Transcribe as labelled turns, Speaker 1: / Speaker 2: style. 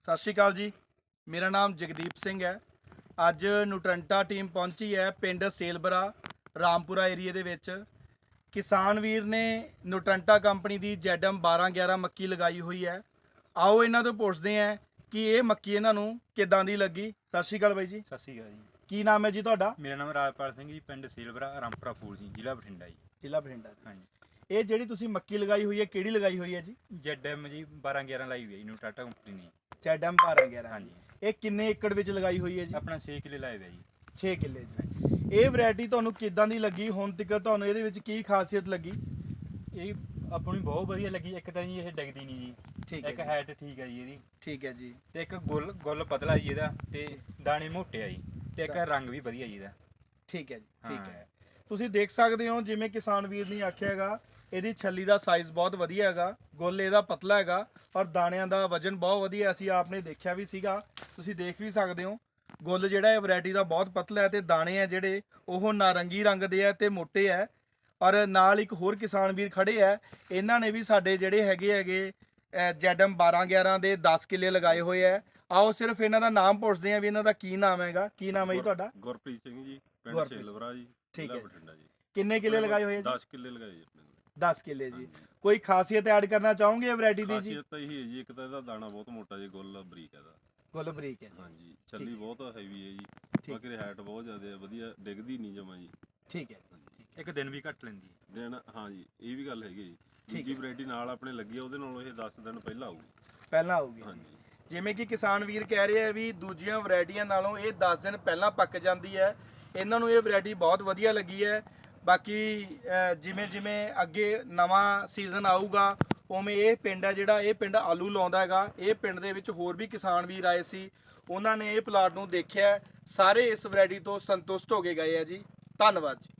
Speaker 1: ਸਤਿ ਸ਼੍ਰੀ ਅਕਾਲ ਜੀ। ਮੇਰਾ ਨਾਮ ਜਗਦੀਪ ਸਿੰਘ ਹੈ। ਅੱਜ ਨੂਟਰੰਟਾ ਟੀਮ ਪਹੁੰਚੀ ਹੈ ਪਿੰਡ ਸੇਲਬਰਾ ਰਾਮਪੁਰਾ ਏਰੀਏ ਦੇ ਵਿੱਚ। ਕਿਸਾਨ ਵੀਰ ਨੇ ਨੂਟਰੰਟਾ ਕੰਪਨੀ ਦੀ ZM 1211 ਮੱਕੀ ਲਗਾਈ ਹੋਈ ਹੈ। ਆਓ ਇਹਨਾਂ ਤੋਂ ਪੁੱਛਦੇ ਹਾਂ ਕਿ ਇਹ ਮੱਕੀ ਇਹਨਾਂ ਨੂੰ ਕਿੱਦਾਂ ਦੀ ਲੱਗੀ। ਸਤਿ ਸ਼੍ਰੀ ਅਕਾਲ ਬਾਈ ਜੀ।
Speaker 2: ਸਤਿ ਸ਼੍ਰੀ ਅਕਾਲ ਜੀ।
Speaker 1: ਕੀ ਨਾਮ ਹੈ ਜੀ ਤੁਹਾਡਾ?
Speaker 2: ਮੇਰਾ ਨਾਮ ਰਾਜਪਾਲ ਸਿੰਘ ਜੀ, ਪਿੰਡ ਸੇਲਵਰਾ ਰਾਮਪੁਰਾ ਫੂਲ ਜੀ, ਜ਼ਿਲ੍ਹਾ ਬਠਿੰਡਾ ਜੀ।
Speaker 1: ਜ਼ਿਲ੍ਹਾ ਬਠਿੰਡਾ ਜੀ।
Speaker 2: ਹਾਂਜੀ।
Speaker 1: ਇਹ ਜਿਹੜੀ ਤੁਸੀਂ ਮੱਕੀ ਲਗਾਈ ਹੋਈ ਹੈ ਕਿਹੜੀ ਲਗਾਈ ਹੋਈ ਹੈ ਜੀ?
Speaker 2: ZM ਜੀ 1211 ਲਾਈ ਹੋਈ ਹੈ ਜੀ, ਨੂਟਰੰਟਾ ਕੰਪਨੀ ਦੀ।
Speaker 1: ZM 1211।
Speaker 2: ਹਾਂਜੀ।
Speaker 1: ਇਹ ਕਿੰਨੇ ਏਕੜ ਵਿੱਚ ਲਗਾਈ ਹੋਈ ਹੈ ਜੀ?
Speaker 2: ਆਪਣਾ 6 ਕਿੱਲੇ ਲਾਏ ਹੋਏ ਜੀ।
Speaker 1: 6 ਕਿੱਲੇ ਜੀ। ਇਹ ਵੈਰਾਈਟੀ ਤੁਹਾਨੂੰ ਕਿੱਦਾਂ ਦੀ ਲੱਗੀ? ਹੁਣ ਤੱਕ ਤੁਹਾਨੂੰ ਇਹਦੇ ਵਿੱਚ ਕੀ ਖਾਸੀਅਤ ਲੱਗੀ?
Speaker 2: ਇਹ ਆਪਾਂ ਨੂੰ ਬਹੁਤ ਵਧੀਆ ਲੱਗੀ। ਇੱਕ ਤਾਂ ਜੀ ਇਹ ਡਿੱਗਦੀ ਨਹੀਂ ਜੀ,
Speaker 1: ਠੀਕ ਹੈ
Speaker 2: ਇੱਕ
Speaker 1: ਜੀ।
Speaker 2: ਹਾਈਟ ਠੀਕ ਹੈ ਜੀ ਇਹਦੀ,
Speaker 1: ਠੀਕ ਹੈ ਜੀ।
Speaker 2: ਤੇ ਇੱਕ ਗੁੱਲ ਪਤਲਾ ਜੀ ਇਹਦਾ, ਤੇ ਦਾਣੇ ਮੋਟੇ ਆ ਜੀ, ਤੇ ਇੱਕ ਰੰਗ ਵੀ ਵਧੀਆ ਜੀ ਇਹਦਾ।
Speaker 1: ਠੀਕ ਹੈ ਜੀ। ਠੀਕ
Speaker 2: ਹਾਂ।
Speaker 1: ਹੈ। ਤੁਸੀਂ ਦੇਖ ਸਕਦੇ ਹੋ ਜਿਵੇਂ ਕਿਸਾਨ ਵੀਰ ਨੇ ਆਖਿਆ ਹੈਗਾ, ਇਹਦੀ ਛੱਲੀ ਦਾ ਸਾਈਜ਼ ਬਹੁਤ ਵਧੀਆ ਹੈਗਾ, ਗੁੱਲ ਇਹਦਾ ਪਤਲਾ ਹੈਗਾ ਔਰ ਦਾਣਿਆਂ ਦਾ ਵਜਨ ਬਹੁਤ ਵਧੀਆ। ਅਸੀਂ ਆਪਨੇ ਦੇਖਿਆ ਵੀ ਸੀਗਾ, ਤੁਸੀਂ ਦੇਖ ਵੀ ਸਕਦੇ ਹੋ। ਗੁੱਲ ਜਿਹੜਾ ਇਹ ਵੈਰਾਈਟੀ ਦਾ ਬਹੁਤ ਪਤਲਾ ਹੈ ਤੇ ਦਾਣੇ ਆ ਜਿਹੜੇ ਉਹ ਨਾਰੰਗੀ ਰੰਗ ਦੇ ਆ ਤੇ ਮੋਟੇ ਹੈ। ਔਰ ਨਾਲ ਇੱਕ ਹੋਰ ਕਿਸਾਨ ਵੀਰ ਖੜੇ ਆ, ਇਹਨਾਂ ਨੇ ਵੀ ਸਾਡੇ ਜਿਹੜੇ ਹੈਗੇ ZM 1211 ਦੇ 10 ਕਿੱਲੇ ਲਗਾਏ ਹੋਏ ਆ। ਆਓ ਸਿਰਫ ਇਹਨਾਂ ਦਾ ਨਾਮ ਪੁੱਛਦੇ ਆ ਵੀ ਇਹਨਾਂ ਦਾ ਕੀ ਨਾਮ ਹੈਗਾ। ਕੀ ਨਾਮ ਹੈ ਜੀ ਤੁਹਾਡਾ?
Speaker 3: ਗੁਰਪ੍ਰੀਤ ਸਿੰਘ ਜੀ, ਪਿੰਡ
Speaker 1: ਗੁਰਪ੍ਰੀਤ।
Speaker 3: ਸੇਲਵਰਾ ਜੀ,
Speaker 1: ਠੀਕ
Speaker 3: ਜ਼ਿਲ੍ਹਾ
Speaker 1: ਹੈ।
Speaker 3: ਬਠਿੰਡਾ ਜੀ।
Speaker 1: ਕਿੰਨੇ ਕਿੱਲੇ ਲਗਾਏ ਹੋਏ ਆ ਜੀ?
Speaker 3: 10 ਕਿੱਲੇ ਲਗਾਏ ਜੀ ਆਪਣੇ ਨੇ।
Speaker 1: 10 ਕਿੱਲੇ ਜੀ।
Speaker 3: ਹਾਂਜੀ।
Speaker 1: ਕੋਈ ਖਾਸੀਅਤ ਐਡ ਕਰਨਾ ਚਾਹੋਗੇ ਇਹ ਵੈਰਾਈਟੀ ਦੀ ਜੀ?
Speaker 3: ਖਾਸੀਅਤ ਤਾਂ ਇਹੀ ਹੈ ਜੀ, ਇੱਕ ਤਾਂ ਇਹਦਾ ਦਾਣਾ ਬਹੁਤ ਮੋਟਾ ਜੀ, ਗੁੱਲ ਬਰੀਕ ਹੈ ਇਹਦਾ।
Speaker 1: ਗੁੱਲ ਬਰੀਕ ਹੈ ਜੀ।
Speaker 3: ਹਾਂਜੀ, ਛੱਲੀ ਬਹੁਤ ਹੈਵੀ ਹੈ ਜੀ,
Speaker 1: ਠੀਕ।
Speaker 3: ਬਾਕੀ ਹਾਈਟ ਬਹੁਤ ਜ਼ਿਆਦਾ ਹੈ, ਵਧੀਆ ਡਿੱਗਦੀ ਨਹੀਂ ਜਮਾ ਜੀ।
Speaker 1: ਠੀਕ ਹੈ।
Speaker 2: ਇੱਕ ਦਿਨ ਵੀ ਘੱਟ ਲੈਂਦੀ ਹੈ।
Speaker 3: ਦਿਨ ਹਾਂਜੀ, ਇਹ ਵੀ ਗੱਲ ਹੈਗੀ ਜੀ।
Speaker 1: ਠੀਕ
Speaker 3: ਦੂਜੀ
Speaker 1: ਹੈ।
Speaker 3: ਵੈਰਾਈਟੀ ਨਾਲ ਆਪਣੇ ਲੱਗੀ ਆ, ਉਹਦੇ ਨਾਲੋਂ ਇਹ 10 ਦਿਨ ਪਹਿਲਾਂ ਆਊਗੀ।
Speaker 1: ਪਹਿਲਾਂ ਆਊਗੀ।
Speaker 3: ਹਾਂਜੀ।
Speaker 1: ਜਿਵੇਂ ਕਿ ਕਿਸਾਨ ਵੀਰ ਕਹਿ ਰਹੇ ਆ ਵੀ ਦੂਜੀਆਂ ਵੈਰਾਈਟੀਆਂ ਨਾਲੋਂ ਇਹ 10 ਦਿਨ ਪਹਿਲਾਂ ਪੱਕ ਜਾਂਦੀ ਹੈ। ਇਹਨਾਂ ਨੂੰ ਇਹ ਵੈਰਾਈਟੀ ਬਹੁਤ ਵਧੀਆ ਲੱਗੀ ਹੈ। ਬਾਕੀ ਜਿਵੇਂ ਜਿਵੇਂ ਅੱਗੇ ਨਵਾਂ ਸੀਜ਼ਨ ਆਊਗਾ ਉਵੇਂ ਇਹ ਪਿੰਡ ਹੈ ਜਿਹੜਾ ਇਹ ਪਿੰਡ ਆਲੂ ਲਾਉਂਦਾ ਹੈਗਾ। ਇਹ ਪਿੰਡ ਦੇ ਵਿੱਚ ਹੋਰ ਵੀ ਕਿਸਾਨ ਵੀਰ ਆਏ ਸੀ, ਉਹਨਾਂ ਨੇ ਇਹ ਪਲਾਟ ਨੂੰ ਦੇਖਿਆ, ਸਾਰੇ ਇਸ ਵੈਰਾਈਟੀ ਤੋਂ ਸੰਤੁਸ਼ਟ ਹੋ ਕੇ ਗਏ ਆ ਜੀ। ਧੰਨਵਾਦ ਜੀ।